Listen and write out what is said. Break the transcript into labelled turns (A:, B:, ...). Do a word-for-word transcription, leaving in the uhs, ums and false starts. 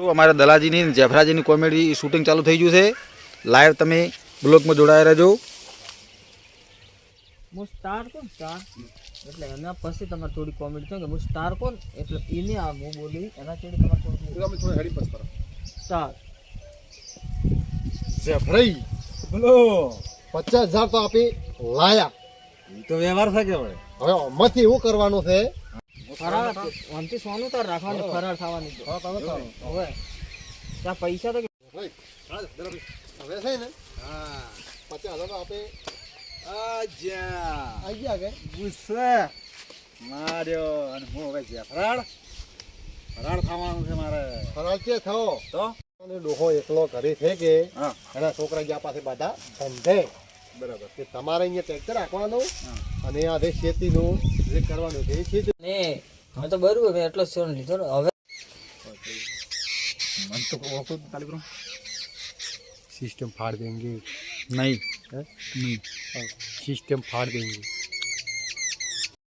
A: અમારા દલાજીની જેફરાજીની comedy shooting ચાલુ થઈ ગયું છે. લાઈવ તમે બ્લોગમાં જોડાયા રહેજો.
B: હું સ્ટાર કોણ સ્ટાર એટલે એના પછી તમારે થોડી કોમેડી થાય કે હું સ્ટાર કોણ એટલે એને આ હું બોલી એના જોડે તમારે થોડું સ્ટાર
C: જેફરાઈ
D: બોલો
C: પચાસ હજાર તો આપી લાયા.
D: એ તો વ્યવહાર થાય કે હવે
C: હવે આમાંથી એવું કરવાનું છે
B: ફરાર આમથી સોનું તાર રાખવાનું ફરાર થવાની છે હવે ત્યાં પૈસા તો
C: હવે છે ને
D: હા
C: પચાસ હજાર તો આપે
D: આજા
C: આવી ગયા કે
D: ગુસ્સે માર્યો અને હું હવે જેફરાડ ફરાળ ખાવાનું છે મારે
C: ફરાળ છે થયો
D: તો
C: અને ડોહો એકલો ઘરે છે કે
D: હા
C: એના છોકરા ગયા પાસે બધા ધંધે
D: બરાબર
C: કે તમારે અહીંયા ટ્રેક્ટર રાખવાનું અને આ જે ખેતીનું જે કરવાનું છે એ ખેતી
B: ને હવે તો બરોબર મેં એટલો સોન લીધો ને હવે
D: મન તો ઓળખો ચાલુ કરો
C: સિસ્ટમ ફાડ દેંગે
A: નહીં
C: સિસ્ટમ ફાડ દેંગે